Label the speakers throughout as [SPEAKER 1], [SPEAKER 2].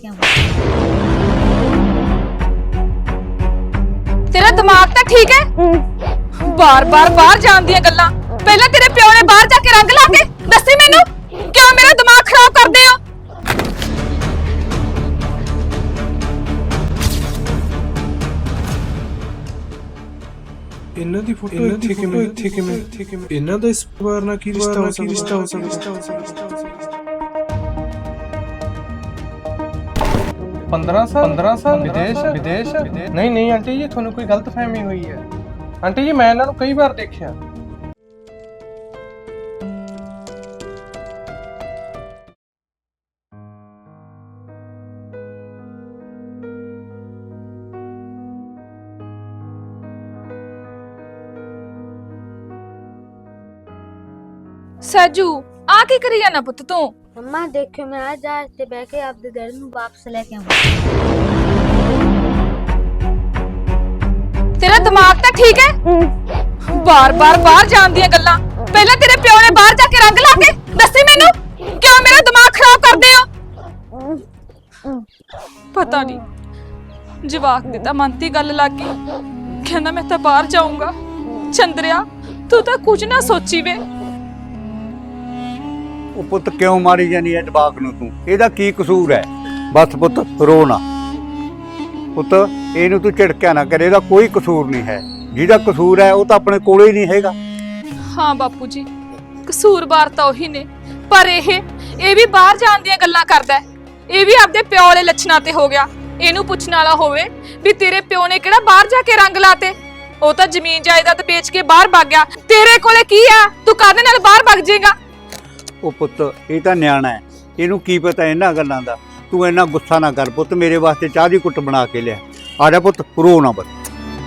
[SPEAKER 1] लेके आऊंगा।
[SPEAKER 2] तेरा दिमाग तो ठीक है? बार बार बाहर जान दियां गल्लां। पहले तेरे प्यो ने बाहर जाके रंग ला के दसी मैनू क्यों मेरा दिमाग खराब करदे हो?
[SPEAKER 3] ਇਹਨਾਂ ਦੀ ਫੋਟੋ ਇੱਥੇ ਕਿਵੇਂ ਇਹਨਾਂ ਦਾ ਇਸ ਪਰਿਵਾਰ ਨਾਲ ਕੀ ਰਿਸ਼ਤਾ ਹੋ ਸਕਦਾ
[SPEAKER 4] 15 ਸਾਲ ਵਿਦੇਸ਼ ਨਹੀਂ ਆਂਟੀ ਜੀ ਤੁਹਾਨੂੰ ਕੋਈ ਗਲਤਫਹਿਮੀ ਹੋਈ ਹੈ। ਆਂਟੀ ਜੀ ਮੈਂ ਇਹਨਾਂ ਨੂੰ ਕਈ ਵਾਰ ਦੇਖਿਆ।
[SPEAKER 2] साजू आ की करी जाना पुत तू?
[SPEAKER 1] मम्मा देखियो मैं आज जहाज से बैठ के आपके घर में वापस लेके आऊंगा।
[SPEAKER 2] तेरा दिमाग तो ठीक है? बार बार बाहर जान दियां गल्लां। पहले तेरे प्यो ने बाहर जाके रंग ला के दसी मैनू क्यों मेरा दिमाग खराब करदे हो? पता नहीं जवाक दी तां मन दी गल लग गई। कहंदा मैं तां बाहर जाऊंगा। चंद्रिया तू तां कुछ ना सोची वे।
[SPEAKER 5] ਉਹ ਪੁੱਤ ਕਿਉਂ ਮਾਰੀ ਜਾਨੀ ਐ ਜਵਾਕ ਨੂੰ ਤੂੰ? ਇਹਦਾ ਕੀ ਕਸੂਰ ਹੈ? ਬਸ ਪੁੱਤ ਰੋ ਨਾ ਪੁੱਤ, ਇਹਨੂੰ ਤੂੰ ਝਿੜਕਿਆ ਨਾ ਕਰ, ਇਹਦਾ ਕੋਈ ਕਸੂਰ ਨਹੀਂ ਹੈ। ਜਿਹਦਾ ਕਸੂਰ ਹੈ ਉਹ ਤਾਂ ਆਪਣੇ ਕੋਲੇ ਹੀ ਨਹੀਂ ਹੈਗਾ।
[SPEAKER 2] हाँ बापू जी कसूरवार तो ਉਹੀ ਨੇ ਪਰ ਇਹ ਵੀ ਬਾਹਰ ਜਾਣ ਦੀਆਂ ਗੱਲਾਂ ਕਰਦਾ ਹੈ। ਇਹ ਵੀ ਆਪਦੇ ਪਿਓ ਵਾਲੇ ਲੱਛਣਾਂ ਤੇ ਹੋ ਗਿਆ। ਇਹਨੂੰ ਪੁੱਛਣ ਵਾਲਾ ਹੋਵੇ ਵੀ ਤੇਰੇ ਪਿਓ ਨੇ ਕਿਹੜਾ ਬਾਹਰ ਜਾ ਕੇ ਰੰਗ ਲਾਤੇ? ਉਹ ਤਾਂ ਜ਼ਮੀਨ ਜਾਇਦਾਦ ਵੇਚ ਕੇ ਬਾਹਰ ਭੱਗ ਗਿਆ। ਤੇਰੇ ਕੋਲੇ ਕੀ ਆ? ਤੂੰ ਕਾਹਦੇ ਨਾਲ ਬਾਹਰ ਭੱਗ ਜਾਏਗਾ?
[SPEAKER 5] ਉਹ ਪੁੱਤ ਇਹ ਤਾਂ ਨਿਆਣਾ ਹੈ, ਇਹਨੂੰ ਕੀ ਪਤਾ ਇਹਨਾਂ ਗੱਲਾਂ ਦਾ। ਤੂੰ ਇੰਨਾ ਗੁੱਸਾ ਨਾ ਕਰ ਪੁੱਤ, ਮੇਰੇ ਵਾਸਤੇ ਚਾਹ ਦੀ ਕੁੱਟ ਬਣਾ ਕੇ ਲਿਆ। ਆ ਜਾ ਪੁੱਤ, ਰੋ ਨਾ ਬਸ।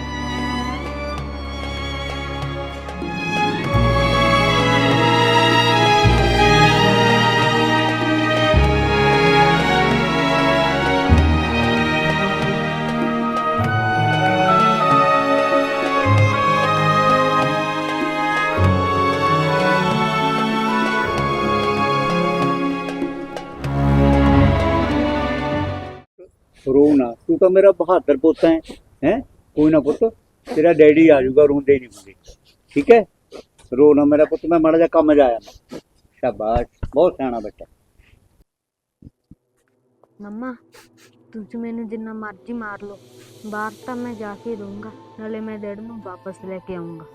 [SPEAKER 5] रो ना, तू तो मेरा बहादुर पुत है कोई ना पुत, तेरा डैडी आ जाऊगा, रोंदे नहीं मुझे, ठीक है? रो ना मेरा पुत, मैं माड़ा जा कम जाया। शाबाश, बहुत सियाना बच्चा।
[SPEAKER 1] मम्मा तुझ मैंने जिन्ना मर्जी मार लो, बाहर तो मैं जाके रहूंगा, नाले मैं डैड नूं वापस लेके आऊंगा।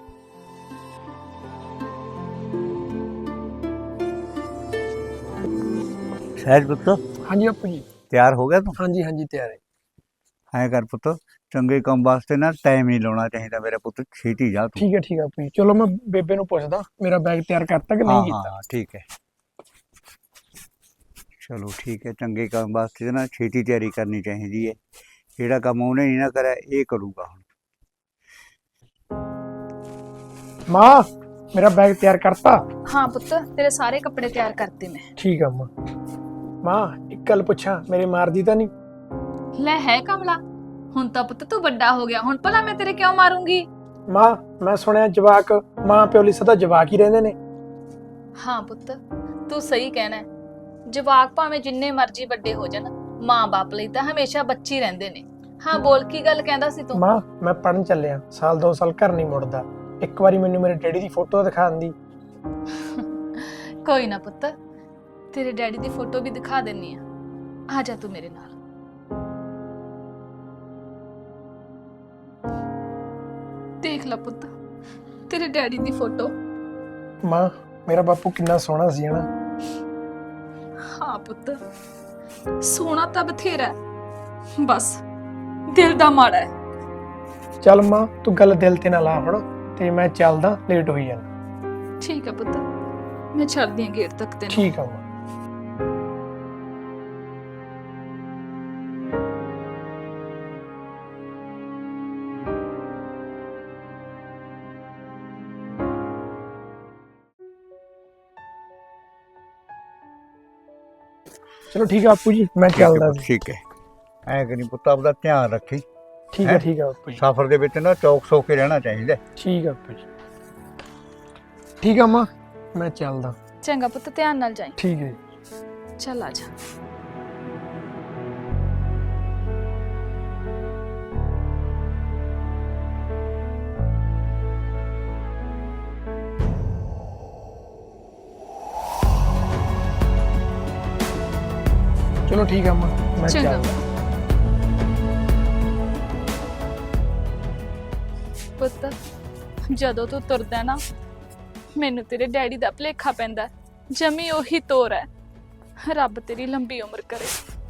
[SPEAKER 5] सहज पुत
[SPEAKER 4] हाँ जी बापू जी।
[SPEAKER 5] तैयार हो गया तू?
[SPEAKER 4] हाँ जी ਤਿਆਰ ਹੈ।
[SPEAKER 5] ਐ ਕਰ ਪੁੱਤ, ਚੰਗੇ ਕੰਮ ਵਾਸਤੇ ਨਾ ਟਾਈਮ ਨਹੀਂ ਲਾਉਣਾ ਚਾਹੀਦਾ ਮੇਰਾ ਪੁੱਤ, ਛੇਤੀ ਜਾ ਤੂੰ।
[SPEAKER 4] ਠੀਕ ਹੈ ਬਾਪੂ ਜੀ। ਚਲੋ ਮੈਂ ਬੇਬੇ ਨੂੰ ਪੁੱਛਦਾ ਮੇਰਾ ਬੈਗ ਤਿਆਰ ਕਰਤਾ ਕਿ ਨਹੀਂ ਕੀਤਾ।
[SPEAKER 5] ਹਾਂ ਠੀਕ ਹੈ, ਚਲੋ ਠੀਕ ਹੈ। ਚੰਗੇ ਕੰਮ ਵਾਸਤੇ ਨਾ ਛੇਤੀ ਤਿਆਰੀ ਕਰਨੀ ਚਾਹੀਦੀ ਹੈ। ਜਿਹੜਾ ਕੰਮ ਉਹਨੇ ਨਹੀਂ ਨਾ ਕਰਿਆ ਇਹ ਕਰੂਗਾ ਹੁਣ।
[SPEAKER 4] ਮਾਂ ਮੇਰਾ ਬੈਗ ਤਿਆਰ ਕਰਤਾ?
[SPEAKER 2] हाँ पुत तेरे सारे कपड़े तैयार करते मैं।
[SPEAKER 4] ਠੀਕ ਆ ਮਾਂ ਇੱਕ ਗੱਲ ਪੁੱਛਾਂ, ਮੇਰੇ ਮਾਰਦੀ ਤਾਂ ਨਹੀਂ?
[SPEAKER 2] ਲੈ ਹੈ ਕਮਲਾ, ਹੁਣ ਤਾਂ ਪੁੱਤ ਤੂੰ ਵੱਡਾ ਹੋ ਗਿਆ, ਹੁਣ ਭਲਾ ਮੈਂ ਤੇਰੇ ਕਿਉਂ ਮਾਰੂੰਗੀ?
[SPEAKER 4] ਮਾਂ ਮੈਂ ਸੁਣਿਆ ਜਵਾਕ ਮਾਂ ਪਿਓ ਲਈ ਸਦਾ ਜਵਾਕ ਹੀ ਰਹਿੰਦੇ ਨੇ।
[SPEAKER 2] ਹਾਂ ਪੁੱਤ ਤੂੰ ਸਹੀ ਕਹਿਣਾ ਹੈ। ਜਵਾਕ ਭਾਵੇਂ ਜਿੰਨੇ ਮਰਜ਼ੀ ਵੱਡੇ ਹੋ ਜਾਣ, ਮਾਂ-ਬਾਪ ਲਈ ਤਾਂ ਹਮੇਸ਼ਾ ਬੱਚੇ ਰਹਿੰਦੇ ਨੇ। ਹਾਂ ਬੋਲ, ਕੀ ਗੱਲ ਕਹਿੰਦਾ ਸੀ ਤੂੰ?
[SPEAKER 4] ਮਾਂ ਮੈਂ ਪੜਨ ਚੱਲਿਆ, ਸਾਲ 2 ਸਾਲ ਘਰ ਨਹੀਂ ਮੁੜਦਾ। ਇੱਕ ਵਾਰੀ ਮੈਨੂੰ ਮੇਰੇ ਡੈਡੀ ਦੀ ਫੋਟੋ ਦਿਖਾ ਦਿੰਦੀ।
[SPEAKER 2] ਕੋਈ ਨਾ ਪੁੱਤ, ਤੇਰੇ ਡੈਡੀ ਦੀ ਫੋਟੋ ਵੀ ਦਿਖਾ ਦਿੰਨੀ ਆ ਜਾ ਤੂੰ ਮੇਰੇ ਨਾਲ। ਦੇਖ ਲੈ ਪੁੱਤ ਤੇਰੇ ਡੈਡੀ ਦੀ ਫੋਟੋ।
[SPEAKER 4] ਮਾਂ ਮੇਰਾ ਬਾਪੂ ਕਿੰਨਾ ਸੋਹਣਾ ਸੀ ਨਾ।
[SPEAKER 2] ਹਾਂ ਪੁੱਤ ਸੋਹਣਾ ਤਾਂ ਬਥੇਰਾ ਹੈ, ਬਸ ਦਿਲ ਦਾ ਮਾੜਾ ਹੈ।
[SPEAKER 4] ਚੱਲ ਮਾਂ ਤੂੰ ਗੱਲ ਦਿਲ ਤੇ ਨਾ ਲਾ ਹੁਣ, ਤੇ ਮੈਂ ਚੱਲਦਾ, ਲੇਟ ਹੋਈ ਜਾਣਾ।
[SPEAKER 2] ਠੀਕ ਹੈ ਪੁੱਤ, ਮੈਂ ਛੱਡਦੀ ਹਾਂ ਗੇਟ ਤੱਕ ਤੈਨੂੰ।
[SPEAKER 4] ਠੀਕ ਆ ਮਾਂ। ਚਲੋ ਠੀਕ ਆ ਬਾਪੂ ਜੀ, ਮੈਂ ਚੱਲਦਾ।
[SPEAKER 5] ਠੀਕ ਹੈ, ਐ ਕਰੀ ਪੁੱਤ ਆਪਦਾ ਧਿਆਨ ਰੱਖੀ।
[SPEAKER 4] ਠੀਕ ਹੈ ਬਾਪੂ ਜੀ।
[SPEAKER 5] ਸਫ਼ਰ ਦੇ ਵਿੱਚ ਨਾ ਚੌਕ ਸੌ ਕੇ ਰਹਿਣਾ ਚਾਹੀਦਾ।
[SPEAKER 4] ਠੀਕ ਆ ਬਾਪੂ ਜੀ। ਠੀਕ ਆ ਮਾਂ, ਮੈਂ ਚੱਲਦਾ।
[SPEAKER 2] ਚੰਗਾ ਪੁੱਤ, ਧਿਆਨ ਨਾਲ ਜਾਈਂ।
[SPEAKER 4] ਠੀਕ ਹੈ।
[SPEAKER 2] ਚੱਲ ਆ ਜਾ।
[SPEAKER 6] ਚਲੋ ਠੀਕ ਆ ਮੈਂ
[SPEAKER 2] ਚੰਗਾ।
[SPEAKER 6] ਚੱਲਦਾ।
[SPEAKER 2] ਪੁੱਤ ਜਦੋਂ ਤੂੰ ਤੁਰਦਾ ਨਾ ਮੈਨੂੰ ਤੇਰੇ ਡੈਡੀ ਦਾ ਭੁਲੇਖਾ ਪੈਂਦਾ। ਜਮੀ ਉਹੀ ਤੋਰ ਹੈ। ਰੱਬ ਤੇਰੀ ਲੰਬੀ ਉਮਰ ਕਰੇ।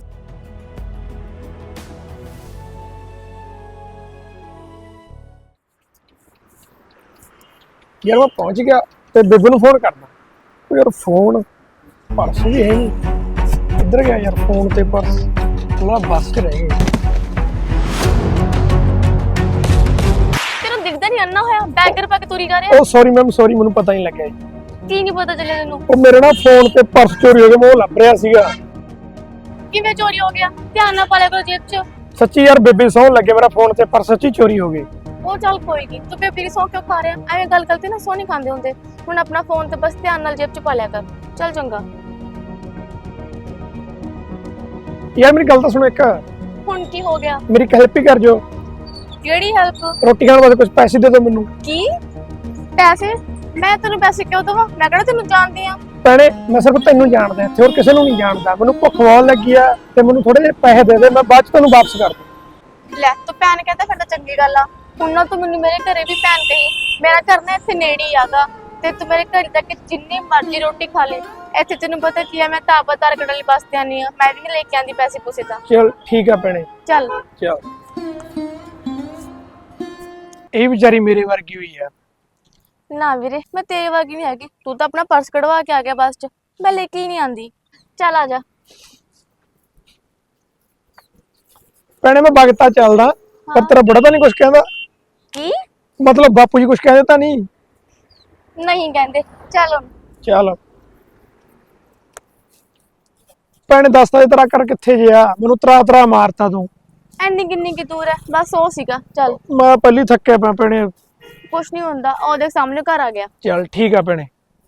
[SPEAKER 6] ਯਾਰ ਮੈਂ ਪਹੁੰਚ ਗਿਆ ਤੇ ਬੇਬੇ ਨੂੰ ਫੋਨ ਕਰਦਾ। ਉਹ ਯਾਰ ਫੋਨ ਪਰਸ ਵੀ ਹੈ ਨਹੀਂ, ਕਿੱਧਰ ਗਿਆ ਯਾਰ ਫੋਨ ਤੇ ਪਰਸ? ਥੋੜਾ ਬੱਸ 'ਚ ਰਹਿ ਗਏ।
[SPEAKER 7] ਤੈਨੂੰ ਦਿਖਦਾ ਨਹੀਂ ਅੰਨਾ ਹੋਇਆ ਬੈਗਰ ਪਾ ਕੇ ਤੁਰੀ ਜਾ ਰਿਹਾ।
[SPEAKER 6] ਉਹ ਸੌਰੀ ਮੈਮ, ਸੌਰੀ, ਮੈਨੂੰ ਪਤਾ ਨਹੀਂ ਲੱਗਿਆ ਜੀ।
[SPEAKER 7] ਕੀ ਨਹੀਂ ਪਤਾ ਚੱਲਿਆ ਤੈਨੂੰ?
[SPEAKER 6] ਉਹ ਮੇਰੇ ਨਾਲ ਫੋਨ ਤੇ ਪਰਸ ਚੋਰੀ ਹੋ ਗਿਆ, ਮੈਂ ਉਹ ਲੱਭ ਰਿਹਾ ਸੀਗਾ।
[SPEAKER 7] ਕਿਵੇਂ ਚੋਰੀ ਹੋ ਗਿਆ? ਧਿਆਨ ਨਾਲ ਪਾ ਲਿਆ ਕਰੋ ਜੇਬ 'ਚ।
[SPEAKER 6] ਸੱਚੀ ਯਾਰ ਬੇਬੇ ਸੌਣ ਲੱਗੇ, ਮੇਰਾ ਫੋਨ ਤੇ ਪਰਸ ਸੱਚੀ ਚੋਰੀ ਹੋ ਗਏ।
[SPEAKER 7] ਉਹ ਚੱਲ ਕੋਈ ਨਹੀਂ, ਤੂੰ ਬੇਬੀ ਦੀ ਸੌਂ ਕਿਉਂ ਖਾ ਰਿਹਾ? ਐਵੇਂ ਗੱਲ ਕਰਤੇ ਨਾ ਸੌ ਨਹੀਂ ਖਾਂਦੇ ਹੁੰਦੇ। ਹੁਣ ਆਪਣਾ ਫੋਨ ਤੇ ਬਸ ਧਿਆਨ ਨਾਲ ਜੇਬ 'ਚ ਪਾ ਲਿਆ ਕਰ। ਚੱਲ ਚੰਗਾ।
[SPEAKER 6] ਯਾਰ ਮੇਰੀ ਗੱਲ ਤਾਂ ਸੁਣੋ ਇੱਕ,
[SPEAKER 7] ਹੁਣ ਕੀ ਹੋ ਗਿਆ?
[SPEAKER 6] ਮੇਰੀ ਹੈਲਪ ਹੀ ਕਰ ਜੋ।
[SPEAKER 7] ਕਿਹੜੀ ਹੈਲਪ?
[SPEAKER 6] ਰੋਟੀ ਖਾਣ ਵਾਸਤੇ ਕੁਝ ਪੈਸੇ ਦੇ ਦਿਓ ਮੈਨੂੰ।
[SPEAKER 7] ਕੀ ਪੈਸੇ? ਮੈਂ ਤੈਨੂੰ ਪੈਸੇ ਕਿਉਂ ਦੇਵਾਂ? ਮੈਂ ਕਿਹੜਾ ਤੈਨੂੰ ਜਾਣਦੀ ਆ?
[SPEAKER 6] ਭੈਣੇ ਮੈਂ ਸਿਰਫ ਤੈਨੂੰ ਜਾਣਦਾ, ਇੱਥੇ ਹੋਰ ਕਿਸੇ ਨੂੰ ਨਹੀਂ ਜਾਣਦਾ। ਮੈਨੂੰ ਭੁੱਖ ਬਹੁਤ ਲੱਗੀ ਆ ਤੇ ਮੈਨੂੰ ਥੋੜੇ ਜਿਹੇ ਪੈਸੇ ਦੇ ਦੇ, ਮੈਂ ਬਾਅਦ ਚ ਤੈਨੂੰ ਵਾਪਸ ਕਰ ਦੂੰ।
[SPEAKER 7] ਲੈ ਤੂੰ ਭੈਣ ਕਹਿੰਦਾ ਫਿਰ ਤਾਂ ਚੰਗੀ ਗੱਲ ਆ। ਹੁਣ ਨਾ ਤੂੰ ਮੈਨੂੰ ਮੇਰੇ ਘਰੇ ਵੀ ਭੈਣ ਕਹੀ। ਮੇਰਾ ਘਰ ਨਾ ਇੱਥੇ ਨੇੜੇ ਹੀ ਆਗਾ ਤੇ ਤੂੰ ਮੇਰੇ ਘਰ ਤੱਕ ਜਿੰਨੀ ਮਰਜ਼ੀ ਰੋਟੀ ਖਾ ਲੈ। ਇੱਥੇ ਤੈਨੂੰ ਪਤਾ ਕੀ ਆ, ਮੈਂ ਤਾਬਤਾਰ ਕੜਲੀ ਬਸ ਤੇ ਆਨੀ ਆ। ਮੈਂ ਵੀ ਨੀ ਲੈ ਕੇ ਆਂਦੀ ਪੈਸੇ ਪੂਸੇ ਤਾਂ।
[SPEAKER 6] ਚਲ ਠੀਕ ਆ ਭੈਣੇ,
[SPEAKER 7] ਚੱਲ
[SPEAKER 6] ਚਲ। ਇਹ ਵਿਚਾਰੀ ਮੇਰੇ ਵਰਗੀ ਹੋਈ ਆ।
[SPEAKER 7] ਨਾ ਵੀਰੇ, ਮੈਂ ਤੇਰੇ ਵਰਗੀ ਨਹੀਂ ਹੈਗੀ। ਤੂੰ ਤਾਂ ਆਪਣਾ ਪਰਸ ਕਢਵਾ ਕੇ ਆ ਗਿਆ ਬੱਸ 'ਚ, ਮੈਂ ਲੈ ਕੇ ਹੀ ਨਹੀਂ ਆਂਦੀ। ਚੱਲ ਆ ਜਾ।
[SPEAKER 6] ਭੈਣੇ ਮੈਂ ਬਗਤਾ ਚੱਲਦਾ, ਪਰ ਤੇਰਾ ਬੜਾ ਤਾਂ ਨਹੀਂ ਕੁਝ ਕਹਿੰਦਾ?
[SPEAKER 7] ਕੀ
[SPEAKER 6] ਮਤਲਬ ਬਾਪੂ ਜੀ ਕੁਝ ਕਹਿੰਦੇ ਤਾਂ ਨਹੀਂ?
[SPEAKER 7] ਨਹੀਂ ਕਹਿੰਦੇ। ਚੱਲ ਹੁਣ।
[SPEAKER 6] ਚੱਲ ਭੈਣੇ ਦੱਸ ਤਾਂ ਤੇਰਾ ਘਰ ਕਿੱਥੇ ਜਿਆ? ਮੈਨੂੰ ਤਰਾ ਮਾਰਤਾ ਤੂੰ।
[SPEAKER 7] ਐਨੀ ਕਿੰਨੀ ਕੀ ਦੂਰ ਹੈ? ਬਸ ਉਹ ਸੀਗਾ। ਚੱਲ
[SPEAKER 6] ਮੈਂ ਪਹਿਲੀ ਥੱਕਿਆ ਪਿਆ ਭੈਣੇ।
[SPEAKER 7] ਕੁਛ ਨਹੀਂ ਹੁੰਦਾ, ਉਹ ਦੇਖ ਸਾਹਮਣੇ ਘਰ ਆ ਗਿਆ।
[SPEAKER 6] ਚੱਲ ਠੀਕ ਆ ਭੈਣੇ।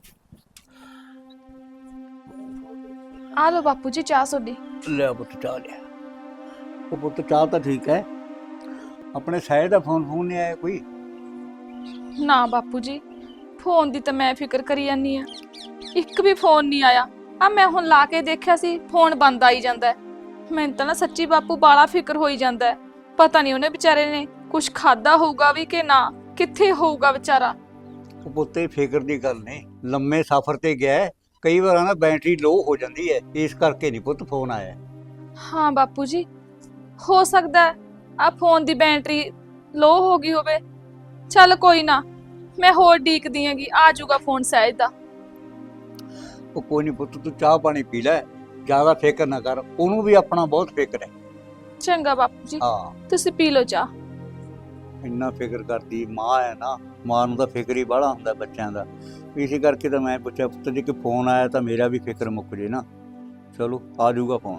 [SPEAKER 2] ਆ ਲੋ ਬਾਪੂ ਜੀ ਚਾਹ ਤੁਹਾਡੀ।
[SPEAKER 5] ਲੈ ਪੁੱਤ ਚਾਹ ਲਿਆ। ਉਹ ਪੁੱਤ ਚਾਹ ਤਾਂ ਠੀਕ ਹੈ, ਆਪਣੇ ਸਾਇਦ ਦਾ ਫੋਨ ਨਹੀਂ ਆਇਆ ਕੋਈ?
[SPEAKER 2] ਨਾ ਬਾਪੂ ਜੀ, ਫੋਨ ਦੀ ਤਾਂ ਮੈਂ ਫਿਕਰ ਕਰੀ ਜਾਂਦੀ ਆ, ਇੱਕ ਵੀ ਫੋਨ ਨਹੀਂ ਆਇਆ। ਆ ਮੈਂ ਹੁਣ ਲਾ ਕੇ ਦੇਖਿਆ ਸੀ, ਫੋਨ ਬੰਦ ਆਈ ਜਾਂਦਾ ਹੈ। ਮੈਨੂੰ ਤਾਂ ਨਾ ਸੱਚੀ ਬਾਪੂ ਬਾਲਾ ਫਿਕਰ ਹੋਈ ਜਾਂਦਾ ਹੈ। ਪਤਾ ਨਹੀਂ ਉਹਨੇ ਵਿਚਾਰੇ ਨੇ ਕੁਝ ਖਾਦਾ ਹੋਊਗਾ ਵੀ ਕਿ ਨਾ, ਕਿੱਥੇ ਹੋਊਗਾ ਵਿਚਾਰਾ।
[SPEAKER 5] ਉਹ ਪੁੱਤੇ ਫਿਕਰ ਦੀ ਗੱਲ ਨਹੀਂ, ਲੰਮੇ ਸਫ਼ਰ ਤੇ ਗਿਆ ਹੈ, ਕਈ ਵਾਰ ਨਾ ਬੈਟਰੀ ਲੋ ਹੋ ਜਾਂਦੀ ਹੈ, ਇਸ ਕਰਕੇ ਨਹੀਂ ਪੁੱਤ ਫੋਨ ਆਇਆ।
[SPEAKER 2] ਹਾਂ ਬਾਪੂ ਜੀ, ਹੋ ਸਕਦਾ ਆ ਫੋਨ ਦੀ ਬੈਟਰੀ ਲੋ ਹੋ ਗਈ ਹੋਵੇ। ਚੱਲ ਕੋਈ ਨਾ, ਮੈਂ ਹੋਰ ਡੀਕਦੀ ਆਂਗੀ, ਆ ਜਾਊਗਾ ਫੋਨ ਸਹਿਜ ਦਾ।
[SPEAKER 5] ਉਹ ਕੋਈ ਨਹੀਂ ਪੁੱਤ, ਤੂੰ ਚਾਹ ਪਾਣੀ ਪੀ ਲੈ, ਜ਼ਿਆਦਾ ਫਿਕਰ ਨਾ ਕਰ, ਉਹਨੂੰ ਵੀ ਆਪਣਾ ਬਹੁਤ ਫਿਕਰ ਹੈ।
[SPEAKER 2] ਚੰਗਾ ਬਾਪੂ ਜੀ,
[SPEAKER 5] ਹਾਂ
[SPEAKER 2] ਤੁਸੀਂ ਪੀ ਲਓ ਚਾਹ।
[SPEAKER 5] ਇੰਨਾ ਫਿਕਰ ਕਰਦੀ ਮਾਂ ਹੈ ਨਾ, ਮਾਂ ਨੂੰ ਤਾਂ ਫਿਕਰ ਹੀ ਬਾਹਲਾ ਹੁੰਦਾ ਬੱਚਿਆਂ ਦਾ। ਇਸੇ ਕਰਕੇ ਤਾਂ ਮੈਂ ਪੁੱਛਿਆ ਪੁੱਤ ਜੀ ਕਿ ਫੋਨ ਆਇਆ ਤਾਂ ਮੇਰਾ ਵੀ ਫਿਕਰ ਮੁੱਕ ਜੇ ਨਾ। ਚਲੋ ਆ ਜਾਊਗਾ ਫੋਨ।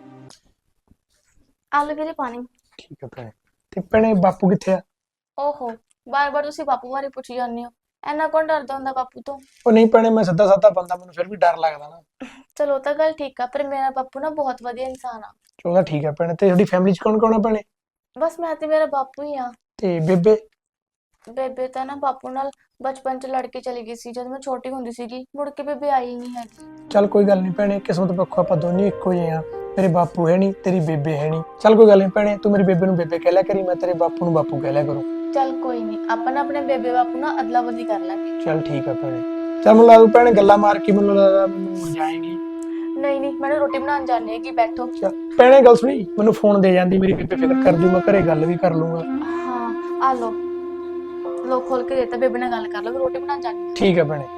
[SPEAKER 7] ਆਲੂ ਵੀਰੇ ਪਾਣੀ।
[SPEAKER 6] ਠੀਕ ਆ ਭੈਣੇ। ਤੇ ਭੈਣੇ ਬਾਪੂ ਕਿੱਥੇ ਆ?
[SPEAKER 7] ਓਹੋ, ਬਾਰ-ਬਾਰ ਤੁਸੀਂ ਬਾਪੂ ਬਾਰੇ ਪੁੱਛੀ ਜਾਂਦੇ ਹੋ। ਐਨਾ ਕੌਣ ਡਰਦਾ ਹੁੰਦਾ ਬਾਪੂ ਤੋਂ?
[SPEAKER 6] ਉਹ ਨਹੀਂ ਭੈਣੇ, ਮੈਂ ਸਿੱਧਾ ਸਾਦਾ ਬੰਦਾ, ਮੈਨੂੰ ਫਿਰ ਵੀ ਡਰ ਲੱਗਦਾ ਨਾ।
[SPEAKER 7] ਚਲੋ ਤਾਂ ਗੱਲ ਠੀਕ ਆ, ਪਰ ਮੇਰਾ ਬਾਪੂ ਨਾ ਬਹੁਤ ਵਧੀਆ ਇਨਸਾਨ ਆ।
[SPEAKER 6] ਚਲੋ ਠੀਕ ਆ ਭੈਣੇ। ਤੇ ਤੁਹਾਡੀ ਫੈਮਿਲੀ 'ਚ ਕੌਣ ਕੌਣ ਆ ਭੈਣੇ?
[SPEAKER 7] ਬਸ ਮੈਂ ਤੇ ਮੇਰਾ ਬਾਪੂ ਹੀ ਆ।
[SPEAKER 6] ਤੇ ਬੇਬੇ?
[SPEAKER 7] ਬੇਬੇ ਤਾਂ ਨਾ ਬਾਪੂ ਨਾਲ ਬਚਪਨ 'ਚ ਲੜ ਕੇ ਚਲੀ ਗਈ ਸੀ ਜਦੋਂ ਮੈਂ ਛੋਟੀ ਹੁੰਦੀ ਸੀਗੀ। ਮੁੜ ਕੇ ਬੇਬੇ ਆਈ ਹੀ ਨਹੀਂ ਹੈਗੀ।
[SPEAKER 6] ਚੱਲ ਕੋਈ ਗੱਲ ਨਹੀਂ ਭੈਣੇ, ਕਿਸਮਤ ਪੱਖੋਂ ਆਪਾਂ ਦੋਨੇ ਇੱਕੋ ਜਿਹੇ ਆ। ਮੇਰੇ ਬਾਪੂ ਹੈ ਨਹੀਂ, ਤੇਰੀ ਬੇਬੇ ਹੈ ਨਹੀਂ। ਚੱਲ ਕੋਈ ਗੱਲ ਨਹੀਂ ਭੈਣੇ, ਤੂੰ ਮੇਰੀ ਬੇਬੇ ਨੂੰ ਬੇਬੇ ਕਹਿ ਲਿਆ ਕਰੀ, ਮੈਂ ਤੇਰੇ ਬਾਪੂ ਨੂੰ ਬਾਪੂ ਕਹਿ ਲਿਆ ਕਰੂੰ।
[SPEAKER 7] ਚੱਲ ਕੋਈ ਨਹੀਂ, ਆਪਾਂ ਨਾ ਆਪਣੇ ਬੇਬੇ ਬਾਪੂ ਨਾਲ ਅਦਲਾ ਬਦਲੀ ਕਰ ਲਾਂਗੇ।
[SPEAKER 6] ਚੱਲ ਠੀਕ ਆ ਭੈਣੇ। ਚੱਲ ਮੈਨੂੰ ਲੱਗਦਾ ਭੈਣੇ ਗੱਲਾਂ ਮਾਰ ਕੇ ਮੈਨੂੰ ਲੱਗਦਾ ਮੈਨੂੰ ਜਾਏਗੀ।
[SPEAKER 7] ਨਹੀਂ ਮੈਨੂੰ ਰੋਟੀ ਬਣਾਉਣ ਜਾਣੀ ਹੈਗੀ, ਬੈਠੋ।
[SPEAKER 6] ਭੈਣੇ ਗੱਲ ਸੁਣੀ, ਮੈਨੂੰ ਫੋਨ ਦੇ ਜਾਂਦੀ, ਮੇਰੀ ਬੇਬੇ ਫਿਕਰ ਕਰ ਜੂ, ਮੈਂ ਘਰੇ ਗੱਲ ਵੀ ਕਰ ਲੂੰਗਾ।
[SPEAKER 7] ਹਾਂ ਆ ਲੋ, ਲੋ ਖੋਲ ਕੇ ਦੇਤਾ। ਬੇਬੇ ਨਾਲ ਗੱਲ ਕਰ ਲਓ, ਰੋਟੀ ਬਣਾਉਣ ਜਾਣੀ।
[SPEAKER 6] ਠੀਕ ਆ ਭੈਣੇ।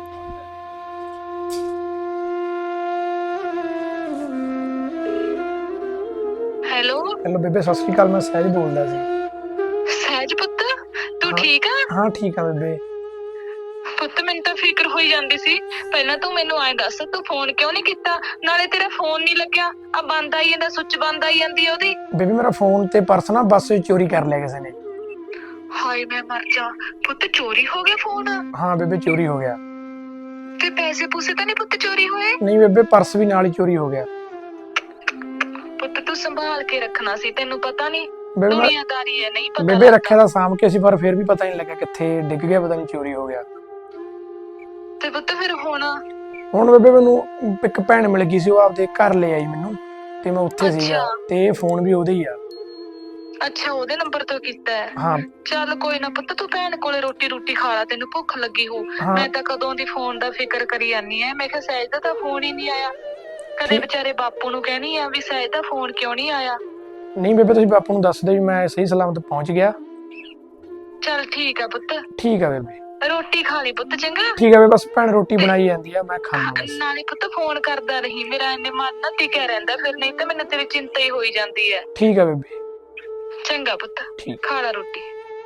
[SPEAKER 8] ਹੈਲੋ
[SPEAKER 6] ਹੈਲੋ ਬੇਬੇ, ਸਤਿ ਸ਼੍ਰੀ ਅਕਾਲ। ਮੈਂ ਸਹਿਜ ਬੋਲਦਾ ਸੀ।
[SPEAKER 8] ਸਹਿਜ ਪੁੱਤ, ਤੂੰ ਠੀਕ ਆ?
[SPEAKER 6] ਹਾਂ ਠੀਕ ਆ ਬੇਬੇ।
[SPEAKER 8] ਪੁੱਤ ਮੈਨੂੰ ਤਾਂ ਫਿਕਰ ਹੋਈ ਜਾਂਦੀ ਸੀ। ਪਹਿਲਾਂ ਤੂੰ ਮੈਨੂੰ ਐਂ ਦੱਸ, ਤੂੰ ਫੋਨ ਕਿਉਂ ਨਹੀਂ ਕੀਤਾ? ਨਾਲੇ ਤੇਰਾ ਫੋਨ ਨਹੀਂ ਲੱਗਿਆ, ਆ ਬੰਦ ਆਈ ਜਾਂਦਾ, ਸੁੱਚ ਬੰਦ ਆਈ ਜਾਂਦੀ ਉਹਦੀ।
[SPEAKER 6] ਬੇਬੇ ਮੇਰਾ ਫੋਨ ਤੇ ਪਰਸ ਨਾ ਬੱਸ ਵਿੱਚ ਚੋਰੀ ਕਰ ਲਿਆ ਕਿਸੇ ਨੇ।
[SPEAKER 8] ਹਾਏ ਮੈਂ ਮਰ ਜਾ ਪੁੱਤ, ਚੋਰੀ ਹੋ ਗਿਆ ਫੋਨ?
[SPEAKER 6] ਹਾਂ ਬੇਬੇ ਚੋਰੀ ਹੋ ਗਿਆ।
[SPEAKER 8] ਤੇ ਪੈਸੇ ਪੂਸੇ ਤਾਂ ਨਹੀਂ ਪੁੱਤ ਚੋਰੀ ਹੋਏ?
[SPEAKER 6] ਨਹੀਂ ਬੇਬੇ, ਪਰਸ ਵੀ ਨਾਲ ਹੀ ਚੋਰੀ ਹੋ ਗਿਆ।
[SPEAKER 8] ਪੁੱਤ ਤੂੰ ਸੰਭਾਲ ਕੇ ਰੱਖਣਾ ਸੀ, ਤੈਨੂੰ ਪਤਾ ਨਹੀਂ
[SPEAKER 6] ਬੇਬੇ
[SPEAKER 8] ਦੁਨੀਆਦਾਰੀ ਹੈ, ਨਹੀਂ ਪਤਾ
[SPEAKER 6] ਬੇਬੇ ਰੱਖਿਆ ਤਾਂ ਸਾਂਭ ਕੇ ਸੀ, ਪਰ ਫਿਰ ਵੀ ਪਤਾ ਨਹੀਂ ਲੱਗਾ ਕਿੱਥੇ ਡਿੱਗ ਗਿਆ, ਪਤਾ ਨਹੀਂ ਚੋਰੀ ਹੋ ਗਿਆ।
[SPEAKER 8] ਤੇ ਪੁੱਤ ਫਿਰ ਹੁਣ
[SPEAKER 6] ਹੁਣ ਬੇਬੇ ਮੈਨੂੰ ਇੱਕ ਭੈਣ ਮਿਲ ਗਈ ਸੀ, ਉਹ ਆਪਦੇ ਘਰ ਲੈ ਆਈ ਮੈਨੂੰ। ਤੇ ਮੈਂ ਉੱਥੇ ਸੀਗਾ
[SPEAKER 8] ਅੱਛਾ।
[SPEAKER 6] ਤੇ ਇਹ ਫੋਨ ਵੀ ਉਹਦੇ ਹੀ ਆ।
[SPEAKER 8] ਅੱਛਾ, ਉਹਦੇ ਨੰਬਰ ਤੋਂ ਕੀਤਾ ਹੈ।
[SPEAKER 6] ਹਾਂ
[SPEAKER 8] ਚੱਲ ਕੋਈ ਨਾ ਪੁੱਤ, ਤੂੰ ਭੈਣ ਕੋਲੇ ਰੋਟੀ ਖਾ ਲਾ, ਤੈਨੂੰ ਭੁੱਖ ਲੱਗੀ ਹੋ।
[SPEAKER 6] ਹਾਂ।
[SPEAKER 8] ਮੈਂ ਤਾਂ ਕਦੋਂ ਦੀ ਫੋਨ ਦਾ ਫਿਕਰ ਕਰੀ ਜਾਂਦੀ ਐ। ਮੈਂ ਕਿਹਾ ਸਹਿਜ ਦਾ ਤਾਂ ਫੋਨ ਹੀ ਨਹੀਂ ਆਇਆ। ਕਦੇ
[SPEAKER 6] ਠੀਕ।
[SPEAKER 8] ਵਿਚਾਰੇ ਬਾਪੂ ਨੂੰ ਕਹਿਣੀ ਆ ਵੀ ਸਹਿਜ ਦਾ ਫੋਨ ਕਿਉਂ ਨਹੀਂ ਆਇਆ।
[SPEAKER 6] ਨਹੀਂ ਬੇਬੇ, ਤੁਸੀਂ ਬਾਪੂ ਨੂੰ ਦੱਸ ਦਿਓ ਵੀ ਮੈਂ ਸਹੀ ਸਲਾਮਤ ਪਹੁੰਚ ਗਿਆ।
[SPEAKER 8] ਚੱਲ ਠੀਕ ਆ ਪੁੱਤ,
[SPEAKER 6] ਠੀਕ ਆ ਬੇਬੇ।
[SPEAKER 8] ਰੋਟੀ ਖਾ ਲਈ ਪੁੱਤ, ਚੰਗਾ।
[SPEAKER 6] ਠੀਕ ਆ ਬੇਬੇ, ਬਸ ਭੈਣ ਰੋਟੀ ਬਣਾਈ ਜਾਂਦੀ ਆ, ਮੈਂ ਖਾਣਾ ਬਸ।
[SPEAKER 8] ਨਾਲੇ ਪੁੱਤ ਫੋਨ ਕਰਦਾ ਰਹੀ, ਮੇਰਾ ਇੰਨੇ ਮਨ ਨਾ ਟਿਕਿਆ ਰਹਿੰਦਾ, ਫਿਰ ਨਹੀਂ ਤਾਂ ਮੈਨੂੰ ਤੇਰੀ ਚਿੰਤਾ ਹੀ ਹੋਈ ਜਾਂਦੀ ਹੈ।
[SPEAKER 6] ਠੀਕ ਆ ਬੇਬੇ।
[SPEAKER 8] ਚੰਗਾ ਪੁੱਤ,
[SPEAKER 6] ਠੀਕ।
[SPEAKER 8] ਖਾ ਲਾ ਰੋਟੀ।